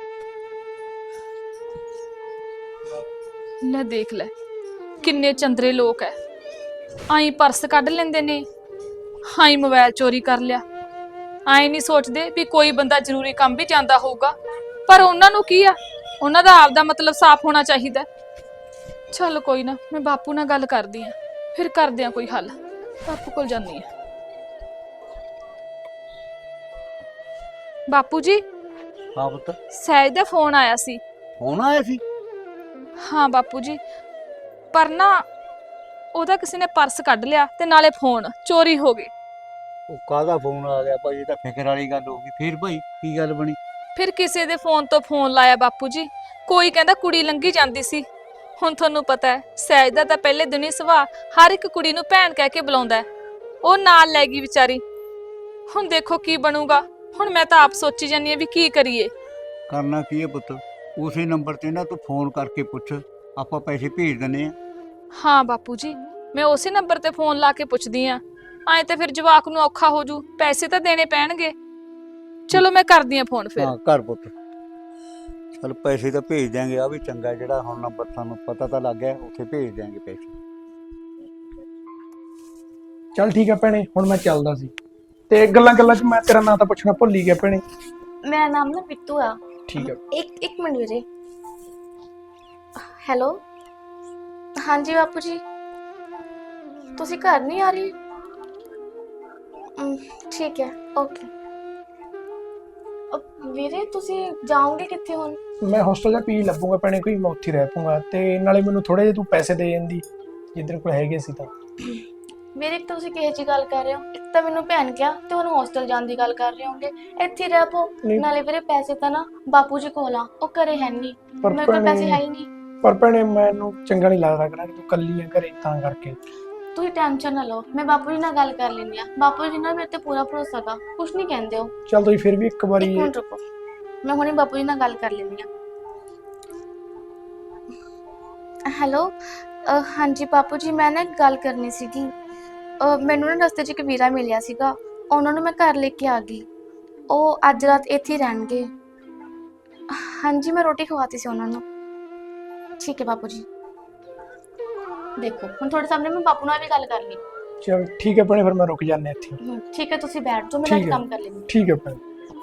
[SPEAKER 2] ਲੈ ਦੇਖ ਲੈ ਕਿੰਨੇ ਚੰਦਰੇ ਲੋਕ ਐ। ਆਈ ਪਰਸ ਕੱਢ ਲੈਂਦੇ ਨੇ, ਆਈ ਮੋਬਾਈਲ ਚੋਰੀ ਕਰ ਲਿਆ। ਆਈ ਨਹੀਂ ਸੋਚਦੇ ਵੀ ਕੋਈ ਬੰਦਾ ਜ਼ਰੂਰੀ ਕੰਮ ਵੀ ਜਾਂਦਾ ਹੋਊਗਾ, ਪਰ ਉਹਨਾਂ ਨੂੰ ਕੀ ਆ, ਉਹਨਾਂ ਦਾ ਆਪਦਾ ਮਤਲਬ ਸਾਫ਼ ਹੋਣਾ ਚਾਹੀਦਾ। ਚੱਲ ਕੋਈ ਨਾ, ਮੈਂ ਬਾਪੂ ਨਾਲ ਗੱਲ ਕਰਦੀ ਆ, ਫਿਰ ਕਰਦੇ ਆ ਕੋਈ ਹੱਲ। ਬਾਪੂ ਕੋਲ ਜਾਂਦੀ ਆ। ਬਾਪੂ ਜੀ,
[SPEAKER 5] ਹਾਂ ਪੁੱਤ,
[SPEAKER 2] ਸਹਿਜ ਦਾ ਫੋਨ ਆਇਆ ਸੀ।
[SPEAKER 5] ਫੋਨ ਆਇਆ ਸੀ?
[SPEAKER 2] ਹਾਂ ਬਾਪੂ ਜੀ, ਪਰ ਨਾ ਉਹਦਾ ਕਿਸੇ ਨੇ ਪਰਸ ਕੱਢ ਲਿਆ ਤੇ ਨਾਲੇ ਫੋਨ ਚੋਰੀ ਹੋ ਗਏ।
[SPEAKER 5] ਉਹ ਕਾਹਦਾ ਫੋਨ ਆ ਗਿਆ ਭਾਈ? ਇਹ ਤਾਂ ਫਿਕਰ ਵਾਲੀ ਗੱਲ ਹੋ ਗਈ। ਫਿਰ ਭਾਈ ਕੀ ਗੱਲ ਬਣੀ?
[SPEAKER 2] ਫਿਰ ਕਿਸੇ ਦੇ ਫੋਨ ਤੋਂ ਫੋਨ ਲਾਇਆ ਬਾਪੂ ਜੀ। ਕੋਈ ਕਹਿੰਦਾ ਕੁੜੀ ਲੰਘੀ ਜਾਂਦੀ ਸੀ। ਹੁਣ ਤੁਹਾਨੂੰ ਪਤਾ ਹੈ ਸਹਿਜ ਦਾ ਤਾਂ ਪਹਿਲੇ ਦਿਨ ਹੀ ਸੁਭਾਅ ਹਰ ਇੱਕ ਕੁੜੀ ਨੂੰ ਭੈਣ ਕਹਿ ਕੇ ਬੁਲਾਉਂਦਾ ਹੈ। ਉਹ ਨਾਲ ਲੈ ਗਈ ਵਿਚਾਰੀ। ਹੁਣ ਦੇਖੋ ਕੀ ਬਣੂਗਾ। ਹੁਣ ਮੈਂ ਤਾਂ ਆਪ ਸੋਚੀ ਜਾਂਦੀ ਹਾਂ ਵੀ ਕੀ ਕਰੀਏ।
[SPEAKER 5] ਕਰਨਾ ਕੀ ਹੈ ਪੁੱਤ? ਉਸੇ ਨੰਬਰ ਤੇ ਨਾ ਤੂੰ ਫੋਨ ਕਰਕੇ ਪੁੱਛ, ਆਪਾਂ ਪੈਸੇ ਭੇਜ ਦਿੰਨੇ ਆ।
[SPEAKER 2] ਹਾਂ ਬਾਪੂ ਜੀ, ਮੈਂ ਉਸੇ ਨੰਬਰ ਤੇ ਫੋਨ ਲਾ ਕੇ ਪੁੱਛਦੀ ਆ। ਐਂ ਤੇ ਫਿਰ ਜਵਾਕ ਨੂੰ ਔਖਾ ਹੋ ਜੂ, ਪੈਸੇ ਤਾਂ ਦੇਣੇ ਪੈਣਗੇ। ਚਲੋ ਮੈਂ ਕਰਦੀ ਆ ਫੋਨ ਫਿਰ।
[SPEAKER 5] ਹਾਂ ਕਰ ਪੁੱਤ, ਚਲ ਪੈਸੇ ਤਾਂ ਭੇਜ ਦਿਆਂਗੇ। ਆ ਵੀ ਚੰਗਾ ਜਿਹੜਾ ਹੁਣ ਨੰਬਰ ਸਾਨੂੰ ਪਤਾ ਤਾਂ ਲੱਗ ਗਿਆ, ਉੱਥੇ ਭੇਜ ਦਿਆਂਗੇ ਪੈਸੇ।
[SPEAKER 6] ਚੱਲ ਠੀਕ ਆ ਭੈਣੇ, ਹੁਣ ਮੈਂ ਚੱਲਦਾ ਸੀ ਤੇ ਗੱਲਾਂ ਚ ਮੈਂ ਤੇਰਾ ਨਾਂ ਤਾਂ ਪੁੱਛਣਾ ਭੁੱਲ ਹੀ ਗਿਆ ਭੈਣੇ।
[SPEAKER 7] ਮੇਰਾ ਨਾਮ ਨਾ ਬਿੱਟੂ ਆ।
[SPEAKER 6] ਠੀਕ ਆ।
[SPEAKER 7] ਇੱਕ ਮਿੰਟ ਵੀਰੇ। ਹੈਲੋ, ਹਾਂਜੀ ਬਾਪੂ ਜੀ, ਤੁਸੀਂ ਘਰ ਨਹੀਂ ਆ ਰਹੀ? ਠੀਕ ਹੈ, ਓਕੇ। ਵੀਰੇ ਤੁਸੀਂ ਜਾਓਗੇ ਕਿੱਥੇ ਹੁਣ?
[SPEAKER 6] ਮੈਂ ਹੋਸਟਲ ਦਾ ਪੀ ਲੱਭੂਗਾ ਭੈਣੇ, ਕੋਈ ਮੈਂ ਉੱਥੇ ਰਹਿ ਪੂੰਗਾ ਤੇ ਨਾਲੇ ਮੈਨੂੰ ਥੋੜੇ ਜਿਹੇ ਤੂੰ ਪੈਸੇ ਦੇ ਜਾਂਦੀ ਜਿੱਧਰ ਕੋਲ ਹੈਗੇ ਸੀ ਤਾਂ।
[SPEAKER 7] ਮੇਰੇ ਇੱਕ ਤੁਸੀਂ ਕਿਹੋ ਜਿਹੀ ਗੱਲ ਕਰ ਰਹੇ ਹੋ? ਇੱਕ ਤਾਂ ਮੈਨੂੰ ਭੈਣ ਕਿਹਾ ਤੇ ਹੁਣ ਹੋਸਟਲ ਜਾਣ ਦੀ ਗੱਲ ਕਰ ਰਹੇ ਹੋਗੇ। ਇੱਥੇ ਰਹਿ ਪੋ।
[SPEAKER 6] ਨਹੀਂ।
[SPEAKER 7] ਨਾਲੇ ਵੀਰੇ ਪੈਸੇ ਤਾਂ ਨਾ ਬਾਪੂ ਜੀ ਕੋਲ ਆ, ਉਹ ਘਰੇ ਹੈ ਨਹੀਂ।
[SPEAKER 6] ਪਰ
[SPEAKER 7] ਮੇਰੇ ਕੋਲ
[SPEAKER 6] ਭੈਣੇ-
[SPEAKER 7] ਪੈਸੇ ਹੈ ਹੀ ਨਹੀਂ।
[SPEAKER 6] ਪਰ ਭੈਣੇ ਮੈਨੂੰ ਚੰਗਾ ਨਹੀਂ ਲੱਗਦਾ ਕਿ ਤੂੰ ਕੱਲੀ ਆ ਘਰੇ, ਤਾਂ ਕਰਕੇ।
[SPEAKER 7] ਤੁਸੀਂ ਟੈਨਸ਼ਨ ਨਾ ਲਓ, ਮੈਂ ਬਾਪੂ ਜੀ ਨਾਲ ਗੱਲ ਕਰ ਲੈਂਦੀ ਆ। ਬਾਪੂ ਜੀ ਨਾਲ ਮੇਰੇ ਤੇ ਪੂਰਾ ਭਰੋਸਾ ਗਾ, ਕੁਝ ਨਹੀਂ ਕਹਿੰਦੇ ਹੋ।
[SPEAKER 6] ਚੱਲ ਤੁਸੀਂ ਫਿਰ ਵੀ ਇੱਕ ਵਾਰੀ।
[SPEAKER 7] ਇੱਕ ਮਿੰਟ ਰੁਕੋ, ਮੈਂ ਹੁਣੇ ਬਾਪੂ ਜੀ ਨਾਲ ਗੱਲ ਕਰ ਲੈਂਦੀ ਆ। ਹੈਲੋ, ਹਾਂਜੀ ਬਾਪੂ ਜੀ, ਮੈਂ ਨਾ ਇੱਕ ਗੱਲ ਕਰਨੀ ਸੀਗੀ। ਮੈਨੂੰ ਨਾ ਰਸਤੇ 'ਚ ਇੱਕ ਵੀਰਾ ਮਿਲਿਆ ਸੀਗਾ, ਉਹਨਾਂ ਨੂੰ ਮੈਂ ਘਰ ਲੈ ਕੇ ਆ ਗਈ। ਉਹ ਅੱਜ ਰਾਤ ਇੱਥੇ ਹੀ ਰਹਿਣਗੇ। ਹਾਂਜੀ, ਮੈਂ ਰੋਟੀ ਖਵਾਤੀ ਸੀ ਉਹਨਾਂ ਨੂੰ। ਠੀਕ ਹੈ ਬਾਪੂ ਜੀ। ਦੇਖੋ ਹੁਣ ਤੁਹਾਡੇ ਸਾਹਮਣੇ ਮੈਂ ਬਾਪੂ ਨਾਲ ਵੀ ਗੱਲ ਕਰ ਲਈ।
[SPEAKER 6] ਚਲ ਠੀਕ ਹੈ ਭੈਣੇ, ਫਿਰ ਮੈਂ ਰੁਕ ਜਾਂਦਾ ਇੱਥੇ।
[SPEAKER 7] ਠੀਕ ਹੈ, ਤੁਸੀਂ ਬੈਠ ਜਾਓ, ਮੈਂ
[SPEAKER 6] ਠੀਕ
[SPEAKER 7] ਅੱਜ
[SPEAKER 6] ਹੈ।
[SPEAKER 7] ਕੰਮ ਕਰ ਲੈਂਦੀ
[SPEAKER 6] ਠੀਕ ਹੈ ਭੈਣੇ।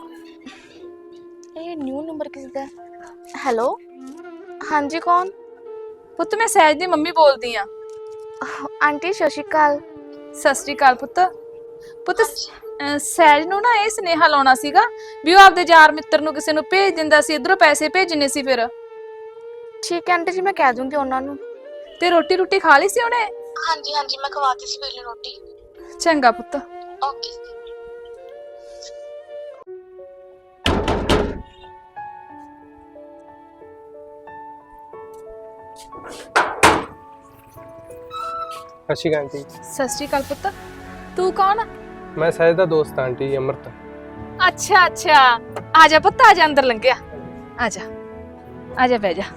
[SPEAKER 7] ਹਾਂ। ਇਹ ਨਿਊ ਨੰਬਰ ਕਿਸ ਦਾ? ਹੈਲੋ, ਹਾਂਜੀ ਕੌਣ?
[SPEAKER 2] ਪੁੱਤ ਮੈਂ ਸਹਿਜ ਦੀ ਮੰਮੀ ਬੋਲਦੀ ਆ।
[SPEAKER 7] ਆਂਟੀ ਸਤਿ ਸ਼੍ਰੀ ਅਕਾਲ।
[SPEAKER 2] ਸਤਿ ਸ੍ਰੀ ਅਕਾਲ ਪੁੱਤ। ਪੁੱਤ ਸਹਿਜ ਨੂੰ ਨਾ ਇਹ ਸੁਨੇਹਾ ਲਾਉਣਾ ਸੀਗਾ ਵੀ ਉਹ ਆਪਦੇ ਯਾਰ ਮਿੱਤਰ ਨੂੰ ਕਿਸੇ ਨੂੰ ਭੇਜ ਦਿੰਦਾ ਸੀ, ਇਧਰੋਂ ਪੈਸੇ ਭੇਜਣੇ ਸੀ। ਫਿਰ
[SPEAKER 7] ਠੀਕ ਹੈ ਆਂਟੀ ਜੀ, ਮੈਂ ਕਹਿ ਦੂੰਗੀ ਉਹਨਾਂ ਨੂੰ।
[SPEAKER 2] ਤੇ ਰੋਟੀ ਖਾ ਲਈ ਸੀ ਉਹਨੇ?
[SPEAKER 7] ਹਾਂਜੀ ਹਾਂਜੀ, ਮੈਂ ਖਵਾਤੀ ਸੀ ਪਹਿਲੇ ਰੋਟੀ।
[SPEAKER 2] ਚੰਗਾ ਪੁੱਤ।
[SPEAKER 7] ਓਕੇ।
[SPEAKER 4] ਸਤਿ ਸ਼੍ਰੀ ਅਕਾਲ ਆਂਟੀ।
[SPEAKER 2] ਸਤਿ ਸ੍ਰੀ ਅਕਾਲ ਪੁੱਤ। ਤੂੰ ਕੌਣ?
[SPEAKER 4] ਮੈਂ ਸਹਿਜ ਦਾ ਦੋਸਤ ਆਂਟੀ ਜੀ, ਅਮਰਤ।
[SPEAKER 2] ਅੱਛਾ ਅੱਛਾ, ਆ ਜਾ ਪੁੱਤ, ਆ ਜਾ, ਅੰਦਰ ਲੰਘਿਆ। ਆ ਜਾ ਆ ਜਾ, ਬਹਿ ਜਾ।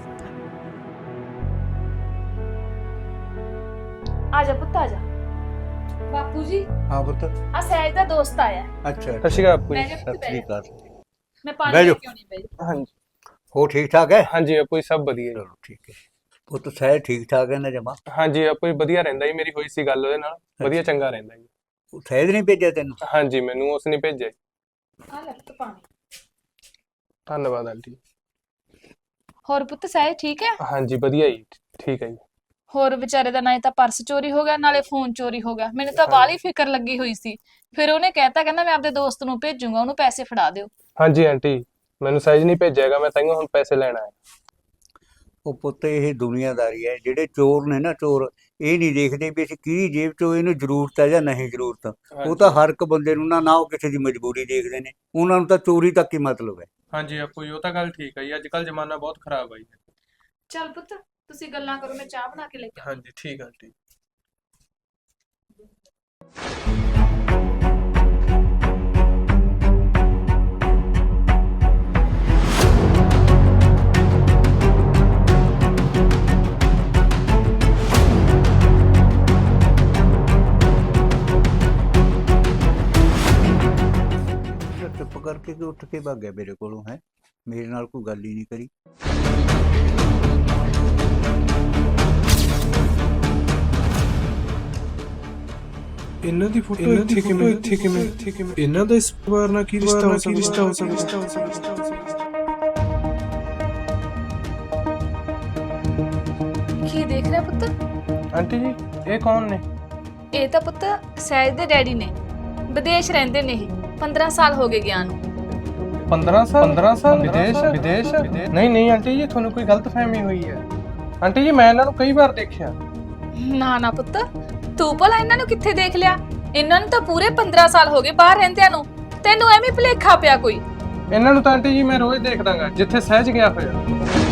[SPEAKER 2] ਆ ਜਾ ਪੁੱਤ, ਆ ਜਾ। ਬਾਪੂ ਜੀ,
[SPEAKER 5] ਹਾਂ ਪੁੱਤ।
[SPEAKER 2] ਆ ਸਹਿਜ ਦਾ ਦੋਸਤ ਆਇਆ।
[SPEAKER 5] ਅੱਛਾ,
[SPEAKER 4] ਸਤਿ ਸ਼੍ਰੀ ਅਕਾਲ ਬਾਪੂ ਜੀ।
[SPEAKER 2] ਬਹਿ ਜਾ ਪੁੱਤ,
[SPEAKER 5] ਸਤਿ ਸ੍ਰੀ ਅਕਾਲ।
[SPEAKER 2] ਮੈਂ ਪਾਣੀ
[SPEAKER 5] ਬਹਿ
[SPEAKER 2] ਲੈ
[SPEAKER 5] ਜਾਓ।
[SPEAKER 2] ਕੇ ਆਉਣੀ, ਬਹਿ ਜਾ।
[SPEAKER 4] ਹਾਂਜੀ
[SPEAKER 5] ਹੋ ਠੀਕ ਠਾਕ ਹੈ?
[SPEAKER 4] ਹਾਂਜੀ ਬਾਪੂ ਜੀ, ਸਭ ਵਧੀਆ ਜੀ।
[SPEAKER 5] ਚਲੋ ਠੀਕ ਹੈ ਪੁੱਤ। ਸਹਿਜ ਠੀਕ ਠਾਕ ਹੈ ਨਾ ਜਮਾ?
[SPEAKER 4] ਹਾਂਜੀ ਬਾਪੂ ਜੀ, ਵਧੀਆ ਰਹਿੰਦਾ ਜੀ। ਮੇਰੀ ਹੋਈ ਸੀ ਗੱਲ ਉਹਦੇ ਨਾਲ, ਵਧੀਆ ਚੰਗਾ ਰਹਿੰਦਾ ਜੀ।
[SPEAKER 5] ਸਹਿਜ ਨਹੀਂ ਭੇਜਿਆ ਤੈਨੂੰ?
[SPEAKER 4] ਹਾਂਜੀ, ਮੈਨੂੰ ਉਸ ਨੇ ਭੇਜਿਆ।
[SPEAKER 2] ਆ ਲੈ ਪੁੱਤ ਪਾਣੀ।
[SPEAKER 4] ਧੰਨਵਾਦ ਆਂਟੀ।
[SPEAKER 2] ਹੋਰ ਪੁੱਤ ਸਹਿਜ ਠੀਕ ਹੈ?
[SPEAKER 4] ਹਾਂਜੀ ਵਧੀਆ ਜੀ, ਠੀਕ ਹੈ ਜੀ।
[SPEAKER 2] ਹੋਰ ਵਿਚਾਰੇ ਦਾ ਨਾ ਤਾਂ ਪਰਸ ਚੋਰੀ ਹੋ ਗਿਆ, ਨਾਲੇ ਫੋਨ ਚੋਰੀ ਹੋ ਗਿਆ। ਮੈਨੂੰ ਤਾਂ ਬਾਹਲੀ ਫਿਕਰ ਲੱਗੀ ਹੋਈ ਸੀ। ਫਿਰ ਉਹਨੇ ਕਹਿਤਾ, ਕਹਿੰਦਾ ਮੈਂ ਆਪਦੇ ਦੋਸਤ ਨੂੰ ਭੇਜੂਗਾ, ਉਹਨੂੰ ਪੈਸੇ ਫੜਾ ਦਿਓ।
[SPEAKER 4] ਹਾਂਜੀ ਆਂਟੀ, ਮੈਨੂੰ ਸਹਿਜ ਨਹੀਂ ਭੇਜਿਆਗਾ, ਮੈਂ ਤਾਂਹੀਓ ਹੁਣ ਪੈਸੇ ਲੈਣ ਆਇਆ।
[SPEAKER 5] ਉਹ ਪੁੱਤ ਇਹ ਦੁਨੀਆਦਾਰੀ ਹੈ। ਜਿਹੜੇ ਚੋਰ ਨੇ ਨਾ, ਚੋਰ, ਇਹ ਨਹੀਂ ਦੇਖਦੇ ਵੀ ਅਸੀਂ ਕਿਹਦੀ ਜੇਬ 'ਚੋਂ ਇਹਨੂੰ ਜ਼ਰੂਰਤ ਹੈ ਜਾਂ ਨਹੀਂ ਜ਼ਰੂਰਤ। ਉਹ ਤਾਂ ਹਰ ਇੱਕ ਬੰਦੇ ਨੂੰ ਨਾ ਉਹ ਕਿਸੇ ਦੀ ਮਜਬੂਰੀ ਦੇਖਦੇ ਨੇ, ਉਹਨਾਂ ਨੂੰ ਤਾਂ ਚੋਰੀ ਤੱਕ ਹੀ ਮਤਲਬ ਹੈ।
[SPEAKER 4] ਹਾਂਜੀ ਆਪੂ ਜੀ, ਉਹ ਤਾਂ ਗੱਲ ਠੀਕ ਹੈ ਜੀ, ਅੱਜ ਕੱਲ ਜ਼ਮਾਨਾ ਬਹੁਤ ਖਰਾਬ ਆ ਜੀ।
[SPEAKER 2] ਚੱਲ ਪੁੱਤ ਤੁਸੀਂ ਗੱਲਾਂ ਕਰੋ, ਮੈਂ ਚਾਹ ਬਣਾ ਕੇ ਲੈ ਕੇ
[SPEAKER 4] ਹਾਂਜੀ ਠੀਕ ਆ ਆਂਟੀ।
[SPEAKER 5] ਚੁੱਪ ਕਰਕੇ ਕਿ ਉੱਠ ਕੇ ਭੱਗ ਗਿਆ ਮੇਰੇ ਕੋਲੋਂ, ਹੈ ਮੇਰੇ ਨਾਲ ਕੋਈ ਗੱਲ ਹੀ ਨਹੀਂ ਕਰੀ।
[SPEAKER 3] ਇਹਨਾਂ ਦੀ ਫੋਟੋ ਇੱਥੇ ਕਿਵੇਂ ਇਹਨਾਂ ਦਾ ਇਸ ਪਰਿਵਾਰ ਨਾਲ ਕੀ ਰਿਸ਼ਤਾ ਹੋ ਸਕਦਾ।
[SPEAKER 2] ਕੀ ਦੇਖ ਰਿਹਾ ਪੁੱਤ?
[SPEAKER 4] ਆਂਟੀ ਜੀ ਇਹ ਕੌਣ ਨੇ?
[SPEAKER 2] ਇਹ ਤਾਂ ਪੁੱਤ ਸਹਿਜ ਦੇ ਡੈਡੀ ਨੇ, ਵਿਦੇਸ਼ ਰਹਿੰਦੇ ਨੇ ਇਹ, 15 ਸਾਲ ਹੋ ਗਏ ਗਿਆ ਨੂੰ।
[SPEAKER 4] 15 ਸਾਲ ਵਿਦੇਸ਼? ਨਹੀਂ ਆਂਟੀ ਜੀ, ਤੁਹਾਨੂੰ ਕੋਈ ਗਲਤਫਹਿਮੀ ਹੋਈ ਹੈ। ਆਂਟੀ ਜੀ ਮੈਂ ਇਹਨਾਂ ਨੂੰ ਕਈ ਵਾਰ ਦੇਖਿਆ।
[SPEAKER 2] ਨਾ ਪੁੱਤ, ਤੂੰ ਭਲਾ ਇਹਨਾਂ ਨੂੰ ਕਿੱਥੇ ਦੇਖ ਲਿਆ? ਇਹਨਾਂ ਨੂੰ ਤਾਂ ਪੂਰੇ 15 ਸਾਲ ਹੋ ਗਏ ਬਾਹਰ ਰਹਿੰਦਿਆਂ ਨੂੰ, ਤੈਨੂੰ ਐਵੇਂ ਭੁਲੇਖਾ ਪਿਆ ਕੋਈ?
[SPEAKER 4] ਇਹਨਾਂ ਨੂੰ ਤਾਂ ਆਂਟੀ ਜੀ ਮੈਂ ਰੋਜ਼ ਦੇਖਦਾਗਾ ਜਿੱਥੇ ਸਹਿਜ ਗਿਆ ਹੋਇਆ।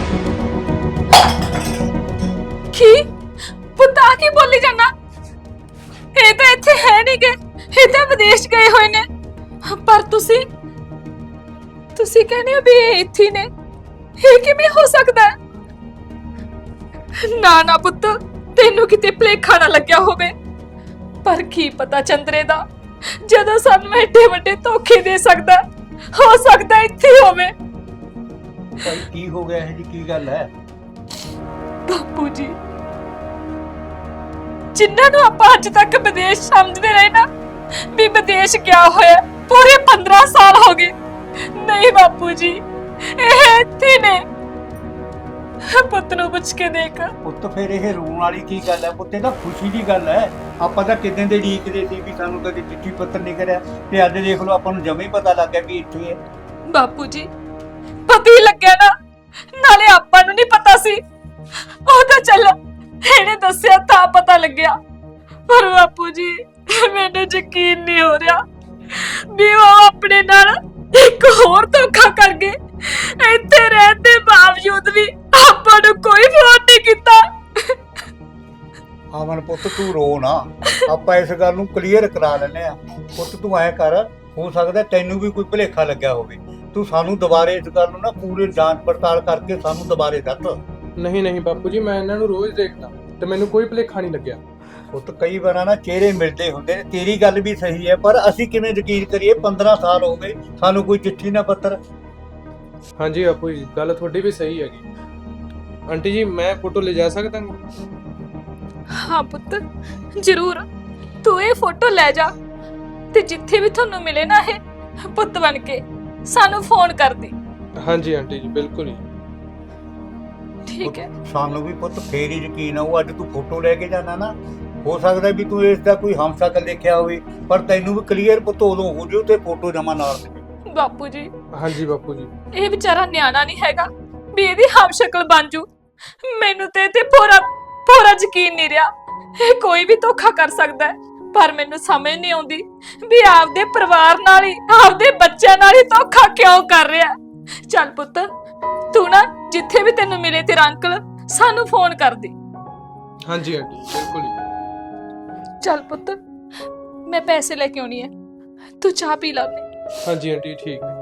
[SPEAKER 2] ਕੀ ਪੁੱਤ ਆ ਕੀ ਬੋਲੀ ਜਾਨਾ? ਇਹ ਤਾਂ ਇੱਥੇ ਹੈ ਨਹੀਂ ਗੇ, ਇਹ ਤਾਂ ਵਿਦੇਸ਼ ਗਏ ਹੋਏ ਨੇ। ਪਰ ਤੁਸੀਂ ਕਹਿੰਦੇ ਹੋ ਵੀ ਇਹ ਇੱਥੇ ਨੇ, ਇਹ ਕਿਵੇਂ ਹੋ ਸਕਦਾ? ਨਾ ਪੁੱਤ, ਤੈਨੂੰ ਕਿਤੇ ਭੁਲੇਖਾ ਨਾ ਲੱਗਿਆ ਹੋਵੇ। ਪਰ ਕੀ ਪਤਾ ਚੰਦਰੇ ਦਾ, ਜਦੋਂ ਸਾਨੂੰ ਐਡੇ ਵੱਡੇ ਧੋਖੇ ਦੇ ਸਕਦਾ, ਹੋ ਸਕਦਾ ਇੱਥੇ ਹੋਵੇ।
[SPEAKER 5] ਭਾਈ ਕੀ ਹੋ ਗਿਆ, ਇਹ ਜੀ ਕੀ ਗੱਲ ਹੈ?
[SPEAKER 2] ਬਾਪੂ ਜੀ, ਜਿਨ੍ਹਾਂ ਨੂੰ ਆਪਾਂ ਅੱਜ ਤੱਕ ਵਿਦੇਸ਼ ਸਮਝਦੇ ਰਹੇ ਨਾ ਵੀ ਵਿਦੇਸ਼ ਗਿਆ ਹੋਇਆ, ਪੂਰੇ 15 ਸਾਲ ਹੋ ਗਏ। ਨਹੀਂ ਬਾਪੂ ਜੀ, ਇਹ ਇੱਥੇ ਨੇ। ਪੁੱਤ ਨੂੰ ਪੁੱਛ ਕੇ ਦੇਖ।
[SPEAKER 5] ਪੁੱਤ ਫਿਰ ਇਹ ਰੋਣ ਵਾਲੀ ਕੀ ਗੱਲ ਹੈ? ਪੁੱਤੇ ਤਾਂ ਖੁਸ਼ੀ ਦੀ ਗੱਲ ਹੈ। ਆਪਾਂ ਤਾਂ ਕਿਦਾਂ ਦੇ ਢੀਕਦੇ ਸੀ ਵੀ ਸਾਨੂੰ ਕਦੇ ਚਿੱਠੀ ਪੱਤਰ ਨਹੀਂ ਕਰਿਆ, ਤੇ ਅੱਜ ਦੇਖ ਲਓ ਆਪਾਂ ਨੂੰ ਜਮੇ ਹੀ ਪਤਾ ਲੱਗ ਗਿਆ ਵੀ ਇੱਥੇ ਹੈ।
[SPEAKER 2] ਬਾਪੂ ਜੀ ਪਤਾ ਹੀ ਲੱਗਿਆ ਨਾ, ਨਾਲੇ ਆਪਾਂ ਨੂੰ ਨਹੀਂ ਪਤਾ ਸੀ, ਉਹ ਤਾਂ ਚੱਲ ਇਹਨੇ ਦੱਸਿਆ ਤਾਂ ਪਤਾ ਲੱਗਿਆ। ਪਰ ਬਾਪੂ ਜੀ ਮੈਨੂੰ ਯਕੀਨ ਨਹੀਂ ਹੋ ਰਿਹਾ ਵੀ ਉਹ ਆਪਣੇ ਨਾਲ ਇੱਕ ਹੋਰ ਧੋਖਾ ਕਰ ਗਏ। ਇੱਥੇ ਰਹਿਣ ਦੇ ਬਾਵਜੂਦ ਵੀ ਆਪਾਂ ਨੂੰ ਕੋਈ ਫੋਨ ਨਹੀਂ ਕੀਤਾ।
[SPEAKER 5] ਆਮਨ ਪੁੱਤ ਤੂੰ ਰੋ ਨਾ, ਆਪਾਂ ਇਸ ਗੱਲ ਨੂੰ ਕਲੀਅਰ ਕਰਾ ਲੈਨੇ ਆ। ਪੁੱਤ ਤੂੰ ਐ ਕਰ, ਹੋ ਸਕਦਾ ਤੈਨੂੰ ਵੀ ਕੋਈ ਭੁਲੇਖਾ ਲੱਗਿਆ ਹੋਵੇ, ਤੂੰ ਸਾਨੂੰ ਦੁਬਾਰੇ ਇਸ ਗੱਲ ਨੂੰ ਨਾ ਪੂਰੀ ਜਾਂਚ ਪੜਤਾਲ ਕਰਕੇ ਸਾਨੂੰ ਦੁਬਾਰੇ ਦੱਸ।
[SPEAKER 4] ਨਹੀਂ ਬਾਪੂ ਜੀ, ਮੈਂ ਇਹਨਾਂ ਨੂੰ ਰੋਜ਼ ਦੇਖਦਾ ਤੇ ਮੈਨੂੰ ਕੋਈ ਭੁਲੇਖਾ ਨਹੀਂ ਲੱਗਿਆ।
[SPEAKER 5] ਪੁੱਤ ਕਈ ਵਾਰ ਨਾ ਚਿਹਰੇ ਮਿਲਦੇ ਹੁੰਦੇ ਨੇ, ਤੇਰੀ ਗੱਲ ਵੀ ਸਹੀ ਹੈ, ਪਰ ਅਸੀਂ ਕਿਵੇਂ ਯਕੀਨ ਕਰੀਏ? 15 ਸਾਲ ਹੋ ਗਏ, ਸਾਨੂੰ ਕੋਈ ਚਿੱਠੀ ਨਾ ਪੱਤਰ।
[SPEAKER 4] ਹਾਂਜੀ ਬਾਪੂ ਜੀ, ਗੱਲ ਤੁਹਾਡੀ ਵੀ ਸਹੀ ਹੈਗੀ। ਆਂਟੀ ਜੀ ਮੈਂ ਫੋਟੋ ਲੈ ਜਾ ਸਕਦਾ ਹਾਂ?
[SPEAKER 2] ਹਾਂ ਪੁੱਤ ਜ਼ਰੂਰ, ਤੂੰ ਇਹ ਫੋਟੋ ਲੈ ਜਾ ਤੇ ਜਿੱਥੇ ਵੀ ਤੁਹਾਨੂੰ ਮਿਲੇ ਨਾ ਇਹ ਪੁੱਤ ਬਣ ਕੇ ਸਾਨੂੰ ਫੋਨ ਕਰ ਦੀ।
[SPEAKER 4] ਹਾਂਜੀ ਆਂਟੀ ਜੀ ਬਿਲਕੁਲ ਹੀ।
[SPEAKER 2] ਠੀਕ ਹੈ।
[SPEAKER 5] ਸਾਨੂੰ ਵੀ ਪੁੱਤ ਫੇਰ ਹੀ ਯਕੀਨ ਆਊ। ਅੱਜ ਤੂੰ ਫੋਟੋ ਲੈ ਕੇ ਜਾਣਾ ਨਾ, ਹੋ ਸਕਦਾ ਵੀ ਤੂੰ ਇਸ ਦਾ ਕੋਈ ਹਮਸ਼ਕਲ ਦੇਖਿਆ ਹੋਵੇ, ਪਰ ਤੈਨੂੰ ਵੀ ਕਲੀਅਰ ਪੁੱਤ ਉਦੋਂ ਹੋ ਜਾਊ ਤੇ ਫੋਟੋ ਜਮਾ ਨਾਲ ਦੇ।
[SPEAKER 2] ਬਾਪੂ ਜੀ
[SPEAKER 4] ਹਾਂਜੀ ਬਾਪੂ ਜੀ,
[SPEAKER 2] ਇਹ ਵਿਚਾਰਾ ਨਿਆਣਾ ਨਹੀਂ ਹੈਗਾ ਵੀ ਇਹਦੀ ਹਮਸ਼ਕਲ ਬਣ ਜੂ। ਮੈਨੂੰ ਤੇ ਪੂਰਾ ਯਕੀਨ ਨਹੀਂ ਰਿਹਾ, ਇਹ ਕੋਈ ਵੀ ਧੋਖਾ ਕਰ ਸਕਦਾ ਹੈ। ਪਰ ਮੈਨੂੰ ਸਮਝ ਨਹੀਂ ਆਉਂਦੀ ਵੀ ਆਪਦੇ ਪਰਿਵਾਰ ਨਾਲ ਹੀ, ਆਪਦੇ ਬੱਚਿਆਂ ਨਾਲ ਹੀ ਧੋਖਾ ਕਿਉਂ ਕਰ ਰਿਹਾ। ਚੱਲ ਪੁੱਤ ਤੂੰ ਨਾ ਜਿੱਥੇ ਵੀ ਤੈਨੂੰ ਮਿਲੇ ਤੇਰਾ ਅੰਕਲ, ਸਾਨੂੰ ਫੋਨ ਕਰ ਦੇ।
[SPEAKER 4] ਹਾਂਜੀ ਆਂਟੀ ਬਿਲਕੁਲ ਹੀ।
[SPEAKER 2] ਚੱਲ ਪੁੱਤ ਮੈਂ ਪੈਸੇ ਲੈ ਕੇ ਆਉਣੀ ਹੈ, ਤੂੰ ਚਾਹ ਪੀ ਲੈ।
[SPEAKER 4] ਹਾਂਜੀ ਆਂਟੀ ਠੀਕ ਹੈ।